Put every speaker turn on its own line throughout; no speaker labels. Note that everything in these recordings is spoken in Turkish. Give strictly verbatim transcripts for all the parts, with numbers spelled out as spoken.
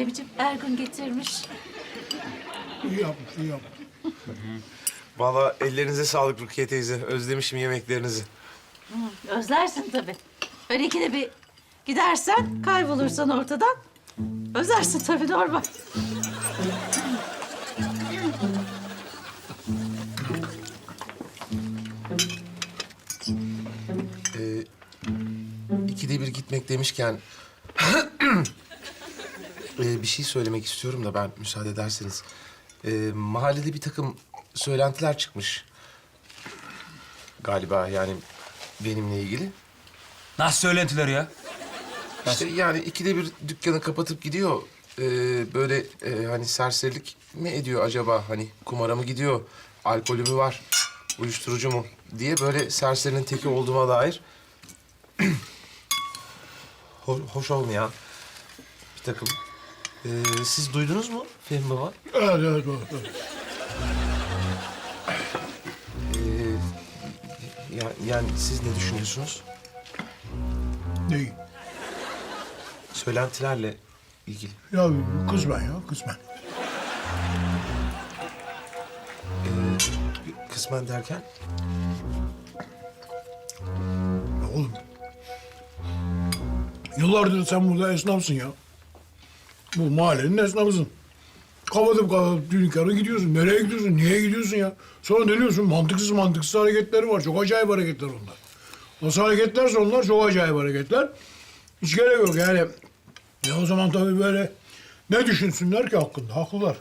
Fehmi'ciğim Ergun getirmiş.
İyi yapmış, iyi yapmış.
Vallahi ellerinize sağlık Rukiye teyze. Özlemişim yemeklerinizi.
Özlersin tabii. Öyle ikide bir gidersen, kaybolursan ortadan. Özlersin tabii, normal.
Ee, ikide bir gitmek demişken... ee, bir şey söylemek istiyorum da ben müsaade ederseniz. Ee, mahallede bir takım söylentiler çıkmış. Galiba yani benimle ilgili.
Nasıl söylentiler ya?
İşte yani ikide bir dükkanı kapatıp gidiyor. Ee, böyle e, hani serserilik mi ediyor acaba? Hani kumara mı gidiyor? Alkolü mü var? Uyuşturucu mu? Diye böyle serserinin teki olduğuma dair... ho- hoş olmayan bir takım. Ee, siz duydunuz mu Fehmi Baba?
Evet, evet, evet. evet.
Ee, ya- yani siz ne düşünüyorsunuz?
Neyi?
Söylentilerle ilgili.
Ya kısmen ya, kısmen.
Kısmen derken?
Ya oğlum. Yıllardır sen burada esnafsın ya. Bu mahallenin esnafısın. Kapatıp kapatıp dükkanı gidiyorsun. Nereye gidiyorsun? Niye gidiyorsun ya? Sonra dönüyorsun. Mantıksız mantıksız hareketleri var. Çok acayip hareketler onlar. Nasıl hareketlerse onlar çok acayip hareketler. Hiç gerek yok yani. Ya o zaman tabii böyle ne düşünsünler ki hakkında? Haklılar.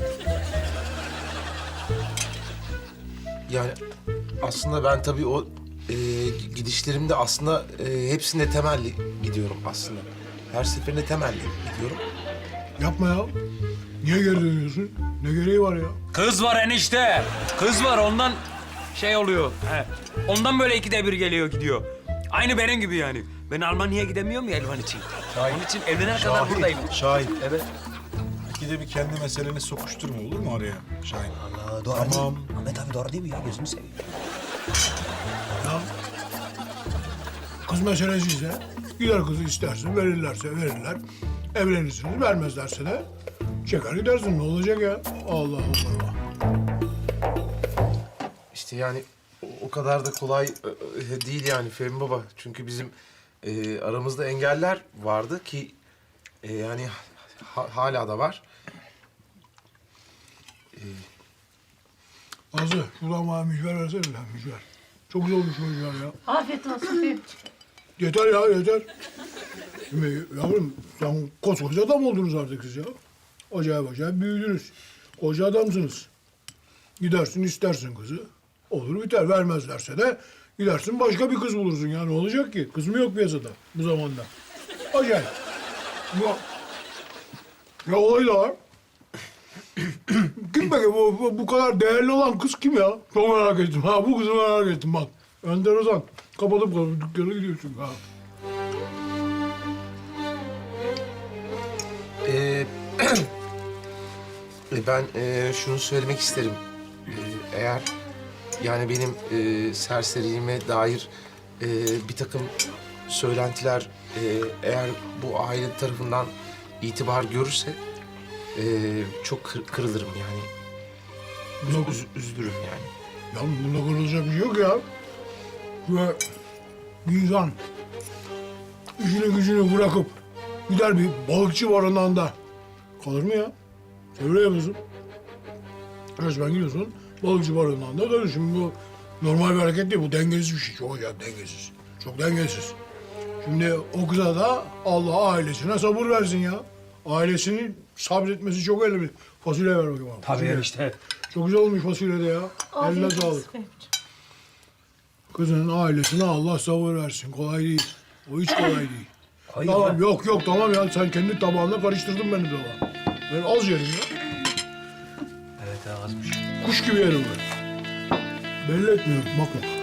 Yani aslında ben tabii o e, gidişlerimde aslında e, hepsinde temelli gidiyorum aslında. Her seferinde temelli gidiyorum.
Yapma ya. Niye geri dönüyorsun? Ne gereği var ya?
Kız var enişte. Kız var ondan şey oluyor. He. Ondan böyle ikide bir geliyor gidiyor. Aynı benim gibi yani. Ben Almanya'ya gidemiyorum ya Elvan için. Onun için evlenene kadar buradayım.
Şahin.
Evet.
İkide bir kendi meseleni sokuşturma olur mu araya Şahin?
Allah doğru
Tamam.
değil. Ahmet abi doğru değil mi ya? Gözünü seveyim.
Ya kız meselesi ise gider kızı istersin, verirlerse verirler. Evlenirsiniz, vermezlerse de çeker gidersin. Ne olacak ya? Allah Allah.
İşte yani o, o kadar da kolay e, e, değil yani Fehmi Baba. Çünkü bizim e, aramızda engeller vardı ki e, yani ha- hala da var.
Azı, şuradan bana mücver versene lan mücver. Çok güzel olmuş mücver ya.
Afiyet olsun Fehmi'ciğim.
Yeter ya, yeter. Şimdi yavrum, sen koskoca adam oldunuz artık siz ya. Acayip acayip büyüdünüz. Koca adamsınız. Gidersin istersin kızı. Olur biter. Vermezlerse de gidersin başka bir kız bulursun ya. Ne olacak ki? Kız mı yok piyasada bu zamanda? Acayip. Ya, ya olay da var. Kim peki bu, bu, bu kadar değerli olan kız kim ya? Çok merak ettim. Ha bu kızı merak ettim bak. Enteresan. Kapatıp kapatıp dükkana gidiyorsun ha.
Ee, e, ben e, şunu söylemek isterim. Ee, eğer yani benim e, serseriliğime dair e, bir takım söylentiler e, eğer bu aile tarafından itibar görürse e, çok kır- kırılırım yani. Üz- üz- üzülürüm yani.
Ya bunda kırılacak bir şey yok ya. Ve bir insan işini gücünü bırakıp gider bir balıkçı barınağında kalır mı ya? Sen öyle yapıyorsun. Resmen gidiyorsun balıkçı barınağında kalır. Şimdi bu normal bir hareket değil. Bu dengesiz bir şey. Çok acayip dengesiz. Çok dengesiz. Şimdi o kıza da Allah ailesine sabır versin ya. Ailesinin sabretmesi çok önemli. Fasulye ver bakayım bana.
Tabii
Fasulye.
enişte.
Çok güzel olmuş fasulye de ya. Eline
Afiyet
sağlık.
olsun Fehmi'ciğim.
Kızının ailesine Allah sabır versin. Kolay değil. O hiç kolay değil.
Hayır
Tamam
lan.
yok yok tamam ya. Sen kendi tabağınla karıştırdın beni de. Ben az yerim ya.
Evet azmış.
Kuş gibi yerim ben. Belli etmiyorum bakma.